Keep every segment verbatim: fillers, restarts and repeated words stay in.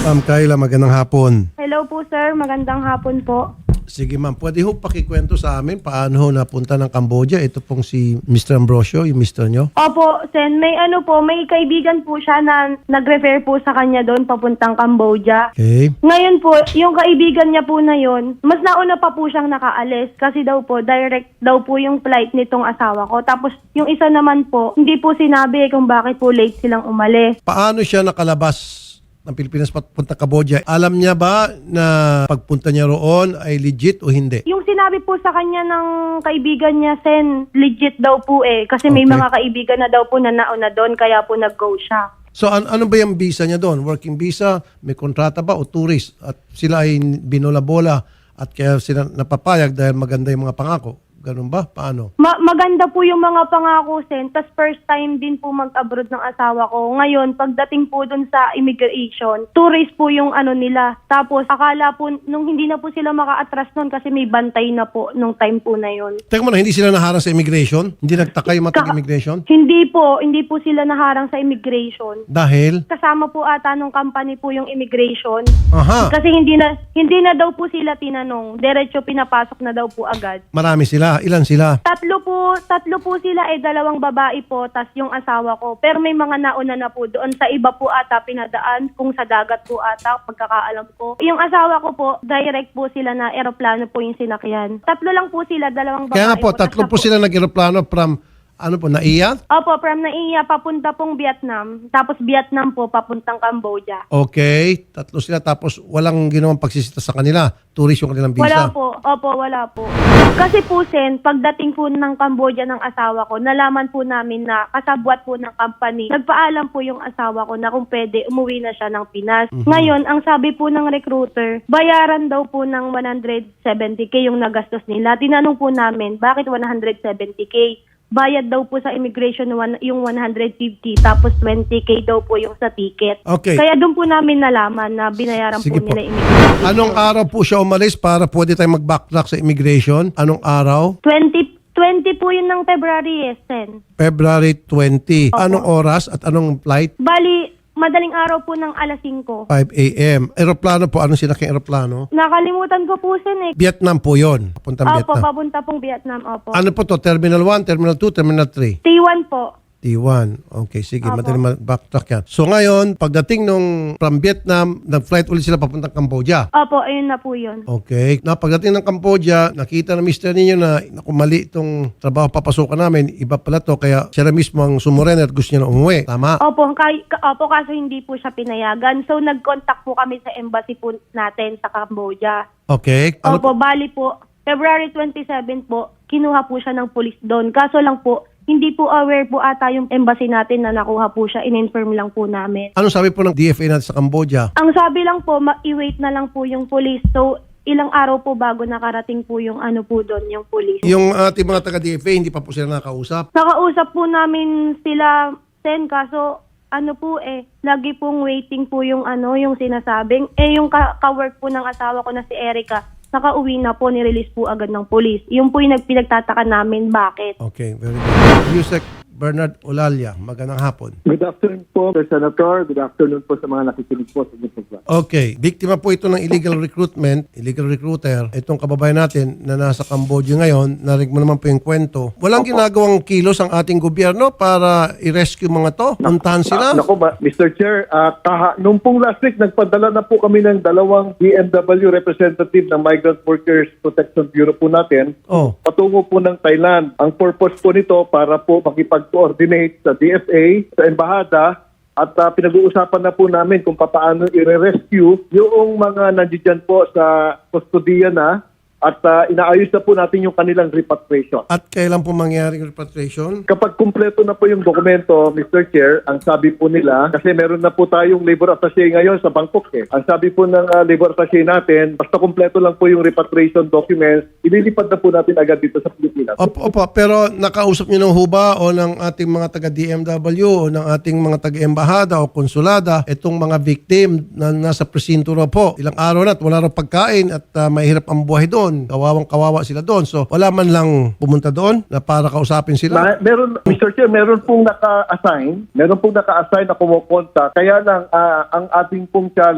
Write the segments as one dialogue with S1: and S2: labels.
S1: Ma'am Kayla, magandang hapon.
S2: Hello po sir, magandang hapon po.
S1: Sige ma'am, pwede ho pakikwento sa amin paano ho napunta ng Cambodia? Ito pong si Mister Ambrosio, yung mister nyo.
S2: Opo, Sen, may ano po, may kaibigan po siya na nag-refer po sa kanya doon papuntang Cambodia.
S1: Okay.
S2: Ngayon po, yung kaibigan niya po na yon, mas nauna pa po siyang nakaalis kasi daw po, direct daw po yung flight nitong asawa ko. Tapos yung isa naman po, hindi po sinabi kung bakit po late silang umalis.
S1: Paano siya nakalabas ng Pilipinas papunta Cambodia? Alam niya ba na pagpunta niya roon ay legit o hindi?
S2: Yung sinabi po sa kanya ng kaibigan niya, Sen, legit daw po eh. Kasi may
S1: Okay.
S2: mga kaibigan na daw po na nauna doon, kaya po nag-go siya.
S1: So an ano ba yung visa niya doon? Working visa, may kontrata ba o tourist? At sila ay binola-bola at kaya sila napapayag dahil maganda yung mga pangako. Ganun ba? Paano?
S2: Ma- maganda po yung mga pangako, Sen. Tas first time din po mag-abroad ng asawa ko. Ngayon, pagdating po dun sa immigration, tourist po yung ano nila. Tapos, akala po, nung hindi na po sila maka-atras nun kasi may bantay na po nung time po na yun.
S1: Teka muna, hindi sila naharang sa immigration? Hindi nagtaka yung matag immigration?
S2: Hindi po, hindi po sila naharang sa immigration.
S1: Dahil?
S2: Kasama po ata nung company po yung immigration.
S1: Aha,
S2: Kasi hindi na hindi na daw po sila tinanong. Diretso pinapasok na daw po agad.
S1: marami sila. Ilan sila?
S2: Tatlo po, tatlo po sila eh, dalawang babae po, tas yung asawa ko. Pero may mga nauna na po doon. Sa iba po ata pinadaan, kung sa dagat po ata, pagkakaalam ko. Yung asawa ko po, direct po sila na eroplano po yung sinakyan. Tatlo lang po sila, dalawang babae
S1: Kaya nga po,
S2: tas
S1: tatlo
S2: siya
S1: po sila nag-aeroplano from, ano po, Naiya?
S2: Opo, from Naiya, papunta pong Vietnam. Tapos Vietnam po, papuntang Cambodia.
S1: Okay, tatlo sila tapos walang ginawang pagsisita sa kanila. Tourist yung kanilang visa.
S2: Wala po. Opo, wala po. Kasi po, Sen, pagdating po ng Cambodia ng asawa ko, nalaman po namin na kasabwat po ng company. Nagpaalam po yung asawa ko na kung pwede, umuwi na siya ng Pinas.
S1: Mhm.
S2: Ngayon, ang sabi po ng recruiter, bayaran daw po ng one hundred seventy K yung nagastos nila. Tinanong po namin, bakit one hundred seventy K? Bayad daw po sa immigration one- yung one hundred fifty, tapos twenty K daw po yung sa ticket.
S1: Okay.
S2: Kaya doon po namin nalaman na binayaran
S1: Sige
S2: po
S1: po.
S2: nila immigration.
S1: Anong araw po siya umalis para pwede tayong mag-backtrack sa immigration? Anong araw?
S2: twenty, twenty po yun ng February, yes, Sen.
S1: February twenty. Anong oras at anong flight?
S2: Bali, madaling araw po ng alas singko.
S1: five A M. Aeroplano po. Anong sinaking aeroplano?
S2: Nakalimutan ko po, Sen, eh.
S1: Vietnam po yon. Papuntang
S2: Opo,
S1: Vietnam.
S2: papunta pong Vietnam, opo.
S1: Ano po to? Terminal one, Terminal two, Terminal three?
S2: T one po.
S1: T one. Okay, sige.
S2: Opo.
S1: Madali mag-backtrack yan. So ngayon, pagdating nung from Vietnam, nag-flight ulit sila papuntang Cambodia.
S2: Opo, ayun na po yun.
S1: Okay. Na pagdating ng Cambodia, nakita ng mister ninyo na naku, mali itong trabaho papasukan namin, iba pala to, kaya siya na mismo ang sumuren at gusto niya na umuwi. Tama?
S2: Opo, kay, ka- opo, kaso hindi po siya pinayagan. So, nag-contact po kami sa embassy po natin sa Cambodia.
S1: Okay. Ano
S2: Opo, bali po, February twenty-seven po, kinuha po siya ng police doon. Kaso lang po, hindi po aware po ata yung embassy natin na nakuha po siya. In-inform lang po namin.
S1: Anong sabi po ng D F A natin sa Cambodia?
S2: Ang sabi lang po, ma- i-wait na lang po yung police. So, ilang araw po bago nakarating po yung ano po doon, yung police.
S1: Yung ating mga taga-D F A, hindi pa po sila nakakausap.
S2: Nakausap po namin sila, Sen, kaso ano po eh, lagi pong waiting po yung ano, yung sinasabing. Eh, yung ka- ka-work po ng asawa ko na si Erica, nakauwi na po, nirelease po agad ng police. Yung po yung nagpinagtataka namin, bakit?
S1: Okay, very good. Yusek Bernard Olalia, magandang hapon.
S3: Good afternoon po, Sir Senator. Good afternoon po sa mga nakikinig po sa inyong program.
S1: Okay, biktima po ito ng illegal recruitment, illegal recruiter. Itong kababayan natin na nasa Cambodia ngayon, narinig mo naman po yung kwento. Walang ginagawang kilos ang ating gobyerno para i-rescue mga to, puntahan sila.
S3: Ah, naku ba, Mister Chair, ah, kaha, nung pong last week, nagpadala na po kami ng dalawang D M W representative ng Migrant Workers Protection Bureau po natin.
S1: Oh,
S3: Patungo po ng Thailand. Ang purpose po nito para po makipag-coordinate sa D F A, sa Embahada, at ah, pinag-uusapan na po namin kung paano i-rescue yung mga nandiyan po sa kustodiya na at ah, inaayos na po natin yung kanilang repatriation.
S1: at kailan po mangyari yung repatriation?
S3: Kapag kumpleto na po yung dokumento, Mister Chair, ang sabi po nila, kasi meron na po tayong labor attaché ngayon sa Bangkok eh. Ang sabi po ng uh, labor attaché natin, basta kumpleto lang po yung repatriation documents, ililipad na po natin agad dito sa Pilipinas.
S1: Opo, opo, pero nakausap niyo ng huba o ng ating mga taga-D M W o ng ating mga taga-embahada o konsulada itong mga victim na nasa presinto raw po. Ilang araw na at wala raw pagkain at uh, mahirap ang buhay doon. Kawawang kawawa sila doon. So wala man lang pumunta doon na para kausapin sila.
S3: Ma- meron, Mister Chair, meron pong naka-assign, meron pong naka-assign na kumukonta. Kaya lang, ah, ang ating pong challenge,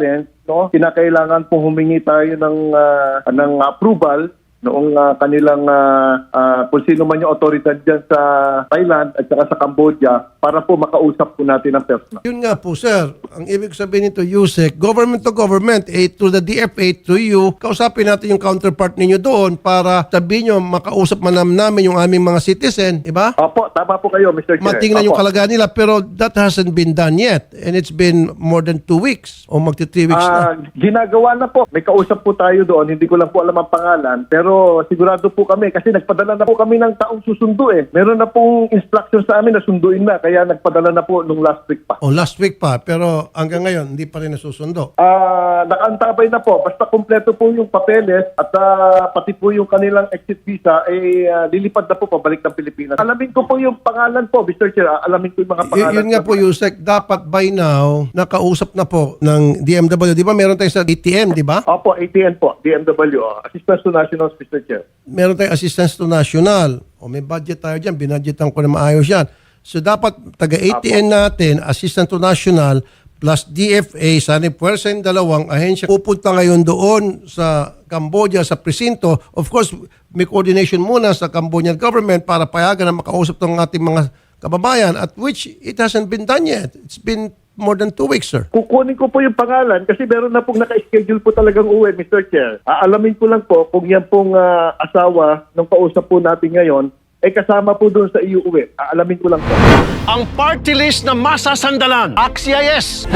S3: no, kinakailangan po humingi tayo ng ah, ng approval noong ah, kanilang ah, ah, kung sino man yung otoridad dyan sa Thailand at saka sa Cambodia para po makausap po natin ang persona.
S1: Yun nga po, sir. Ang ibig sabihin nito, Yusek, government to government, eh, to the D F A, to you, kausapin natin yung counterpart ninyo doon para sabihin nyo, makausap man namin yung aming mga citizen, di ba?
S3: Opo, tama po kayo, Mister Chair.
S1: Matingnan yung
S3: Opo.
S1: kalagayan nila, pero that hasn't been done yet. And it's been more than two weeks o magti three weeks na.
S3: Ah, ginagawa na po. May kausap po tayo doon. Hindi ko lang po alam ang pangalan. Pero sigurado po kami kasi nagpadala na po kami ng taong susundo eh. Meron na pong instruction sa amin na sunduin na. Kaya nagpadala na po nung last week pa.
S1: O last week pa, pero hanggang ngayon, hindi pa rin nasusundo.
S3: Ah, nakaantabay na po. Basta kumpleto po yung papeles at ah, pati po yung kanilang exit visa eh ah, lilipad na po pabalik ng Pilipinas. Alamin ko po yung pangalan po, Mister Chair. Ah, Alamin ko yung mga
S1: Y-
S3: pangalan.
S1: yun nga po, Yusek, dapat by now, nakausap na po ng D M W. Di ba meron tayo sa A T M, di ba?
S3: Opo, A T N po, D M W. oh. Assistance to Nationals, Mister Chair.
S1: Meron tayong assistance to national. O may budget tayo dyan, binadgetan ko na maayos yan. So dapat taga-A T N natin, assistant to national, plus D F A, sana puwersa yung dalawang ahensya. Pupunta ngayon doon sa Cambodia, sa presinto. Of course, may coordination muna sa Cambodian government para payagan na makausap ng ating mga kababayan, at which it hasn't been done yet. It's been more than two weeks, sir.
S3: Kukunin ko po yung pangalan kasi meron na pong naka-schedule po talagang uwi, Mister Chair. Aalamin ko lang po kung yan pong ah, asawa ng kausap po natin ngayon ay kasama po doon sa iuwi. Aalamin ko lang po.
S4: Ang party list na masasandalan. Axies.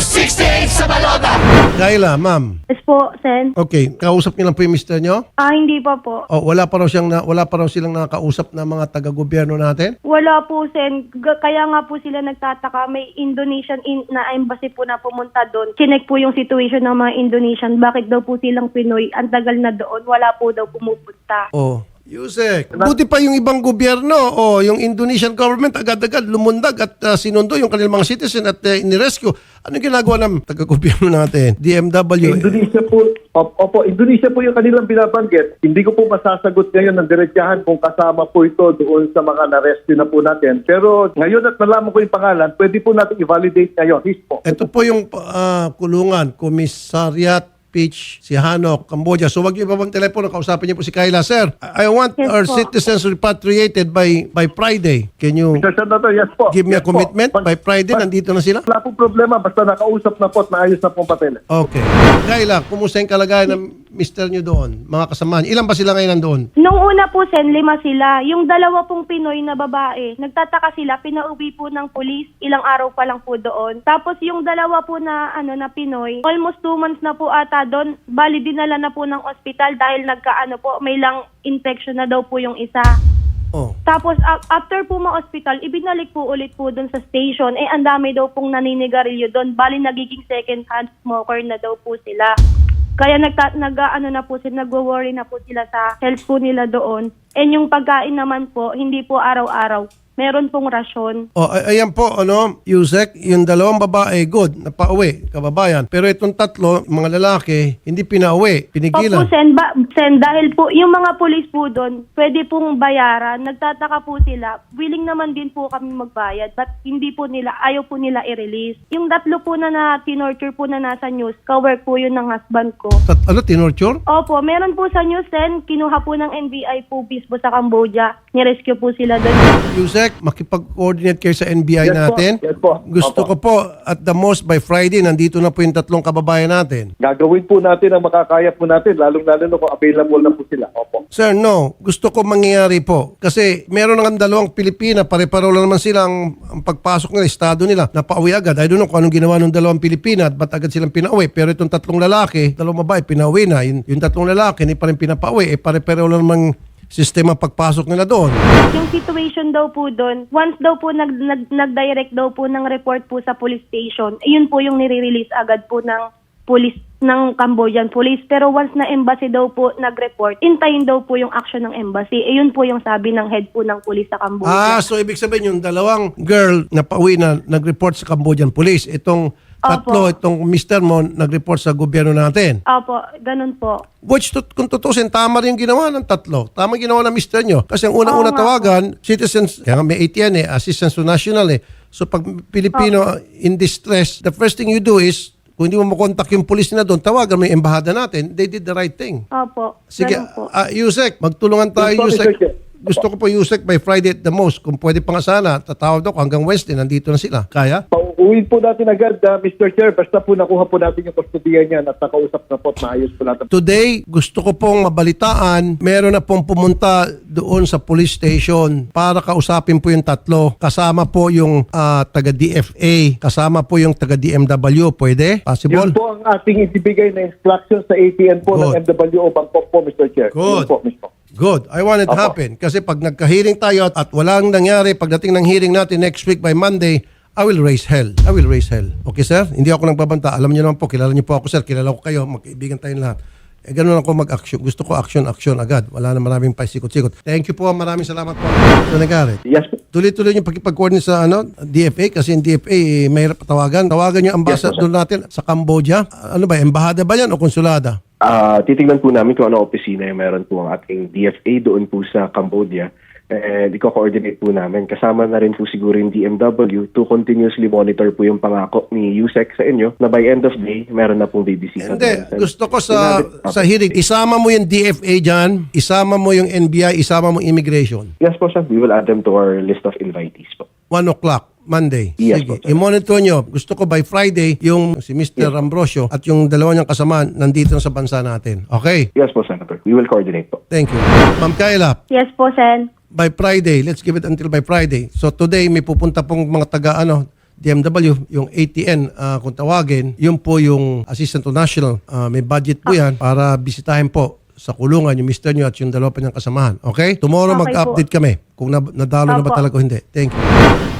S1: Kayla, ma'am.
S2: Yes po, Sen.
S1: Okay, kausap niyo lang po yung mister niyo?
S2: Ah, hindi pa po.
S1: O wala pa raw siyang na, wala pa raw silang nakakausap na mga taga-gobyerno natin?
S2: Wala po, Sen. G- kaya nga po sila nagtataka. May Indonesian in- na embassy po na pumunta doon. Chinek po yung situation ng mga Indonesian. Bakit daw po silang Pinoy? Ang tagal na doon. Wala po daw pumupunta.
S1: Oh, Yusek, buti pa yung ibang gobyerno o yung Indonesian government agad-agad lumundag at uh, sinundo yung kanilang mga citizen at uh, inirescue. Anong ginagawa ng taga-gobyerno natin? D M W.
S3: Indonesia po, op- opo, Indonesia po yung kanilang binabanggit. Hindi ko po masasagot ngayon ng diretsahan kung kasama po ito doon sa mga na-rescue na po natin. Pero ngayon at nalaman ko yung pangalan, pwede po natin i-validate ngayon. His po.
S1: Ito po yung uh, kulungan, Commissariat Peach, si Hanok, Cambodia. So wag niyo ibabang telepono, kausapin niyo po si Kayla. Sir, I I want
S2: Yes
S1: our
S2: po.
S1: citizens repatriated by by Friday. Can you
S3: Mister Senator, yes po.
S1: give me a
S3: Yes po.
S1: commitment?
S3: Pag-
S1: By Friday,
S3: pag-
S1: nandito na sila?
S3: Wala pong problema, basta nakausap na po at naayos na pong papeles.
S1: Okay. Kayla, kumusta yung kalagayan ng mister niyo doon? Mga kasamahan. Ilan ba sila ngayon nandoon?
S2: Nung una po, Sen, lima sila. Yung dalawa pong Pinoy na babae, nagtataka sila, pinauwi po ng polis, ilang araw pa lang po doon. Tapos yung dalawa po na, ano, na Pinoy, almost two months na po ata doon, bali dinala na po ng ospital dahil nagkaano po, may lang infection na daw po yung isa.
S1: Oh.
S2: Tapos a- after po ma-hospital, ibinalik po ulit po doon sa station. Eh, ang dami daw pong naninigarilyo doon. Bali, nagiging second-hand smoker na daw po sila. Kaya nagta- nag, ano na po sila, nagwo-worry na po sila sa health po nila doon. And yung pagkain naman po, hindi po araw-araw. Meron pong rasyon.
S1: Oh, ay- ayan po, ano, Yusek, yung dalawang babae, good, napauwi, kababayan. Pero itong tatlo, mga lalaki, hindi pinauwi,
S2: Opo,
S1: pinigilan.
S2: Sen, ba- Sen, dahil po, yung mga pulis po doon, pwede pong bayaran. Nagtataka po sila. Willing naman din po kami magbayad. But hindi po nila, ayaw po nila i-release. Yung tatlo po na na tinorture po na nasa news, kawork po yun ng husband ko.
S1: Tat, ano, tinorture?
S2: Opo, meron po sa news, Sen, kinuha po ng N B I po po sa Cambodia. Nirescue po sila doon.
S1: Yusek, makipag-coordinate kayo sa N B I
S3: Yes po,
S1: natin.
S3: yes po.
S1: Gusto
S3: Opo.
S1: ko po, at the most by Friday, nandito na po yung tatlong kababayan natin.
S3: Gagawin po natin ang makakaya po natin, lalong-lalo na kung available na po sila. Opo.
S1: Sir, no. Gusto ko mangyayari po. Kasi meron ng dalawang Pilipina, pare-pareho lang naman sila ang, ang pagpasok nila, estado nila, napauwi agad. I don't know kung anong ginawa ng dalawang Pilipina at ba't agad silang pinauwi. Pero itong tatlong lalaki, dalawang babae, pinauwi na. Yung, yung tatlong lalaki, hindi pa rin pinapauwi. Eh, pare-pareho lang naman sistema pagpasok nila doon.
S2: Yung situation daw po doon, once daw po nag, nag, nag-direct daw po ng report po sa police station, yun po yung nire-release agad po ng police ng Cambodian police. Pero once na embassy daw po nag-report, intayin daw po yung action ng embassy. Eh, yun po yung sabi ng head po ng police sa Cambodia.
S1: Ah, so ibig sabihin yung dalawang girl na pauwi na nag-report sa Cambodian Police, itong tatlo,
S2: Opo.
S1: itong mister mo nag-report sa gobyerno natin.
S2: Opo, ganun po.
S1: Which to, kung tutusin, tama rin yung ginawa ng tatlo. Tama yung ginawa ng mister nyo. Kasi ang unang-una
S2: Oo nga
S1: tawagan, citizens, kaya nga may A T N eh, assistance to national eh. So pag Pilipino in distress, the first thing you do is Kung hindi mo makontak yung police na doon, tawagan mo yung embahada natin. They did the right thing.
S2: Opo.
S1: Sige,
S2: Ganun po.
S1: uh, Yusek, magtulungan tayo,
S3: Yes po,
S1: Yusek.
S3: Mister Chair.
S1: Gusto ko po, Yusek, by Friday at the most. Kung pwede pa nga sana, tatawag ako hanggang Wednesday, nandito na sila. Kaya?
S3: Pauuwi po natin agad, uh, Mister Chair. Basta po nakuha po natin yung kustodiya niya at nakausap na po at maayos po natin.
S1: Today, gusto ko pong mabalitaan, meron na pong pumunta doon sa police station para kausapin po yung tatlo. Kasama po yung ah, taga-D F A, kasama po yung taga-D M W. Pwede? Possible?
S3: Yun po ang ating ibibigay na instruction sa A T N po
S1: Good.
S3: ng M W O Bangkok po, Mister Chair.
S1: Good.
S3: Yun po mismo.
S1: Good. I want it to
S3: Opo.
S1: happen. Kasi pag nagka-hearing tayo at walang nangyari, pagdating ng hearing natin next week by Monday, I will raise hell. I will raise hell. Okay, sir? Hindi ako nagbabanta. Alam niyo naman po, kilala niyo po ako, sir. Kilala ko kayo. Magkaibigan tayong lahat. Eh, ganun ako mag-action. Gusto ko action, action agad. Wala na maraming paisikot-sikot. Thank you po. Maraming salamat po. So, nagarit.
S3: Yes po.
S1: Tuloy-tuloy yung pagkipag-coordinate sa ano, D F A kasi yung D F A eh, mahirap patawagan. Tawagan yung ambassador natin sa Cambodia. Ano ba, embahada ba yan o konsulada?
S5: Ah, titingnan po namin kung ano opisina yung meron po ang ating D F A doon po sa Cambodia. And i-coordinate po namin. Kasama na rin po siguro yung D M W to continuously monitor po yung pangako ni Yusek sa inyo na by end of day, meron na pong babysita.
S1: Hindi, gusto ko sa sa hearing, isama mo yung D F A dyan, isama mo yung N B I, isama mo immigration.
S5: Yes po, sir. We will add them to our list of invitees po.
S1: one o'clock, Monday.
S5: Yes,
S1: Sige,
S5: po, sir.
S1: i-monitor nyo. Gusto ko by Friday, yung si Mister Ambrosio at yung dalawa niyang kasama nandito na sa bansa natin. Okay?
S5: Yes po, Senator. We will coordinate po.
S1: Thank you. Ma'am Kayla,
S2: Yes po, Sen.
S1: by Friday, let's give it until by Friday. So today, may pupunta pong mga taga ano, D M W, yung A T N, ah, kung tawagin, yun po yung Assistant to National. Ah, may budget po yan para bisitahin po sa kulungan yung mister nyo at yung dalawa pa niyang kasamahan. Okay? Tomorrow
S2: Okay
S1: mag-update kami kung na- nadalo na ba
S2: Opo.
S1: talaga o hindi. Thank you.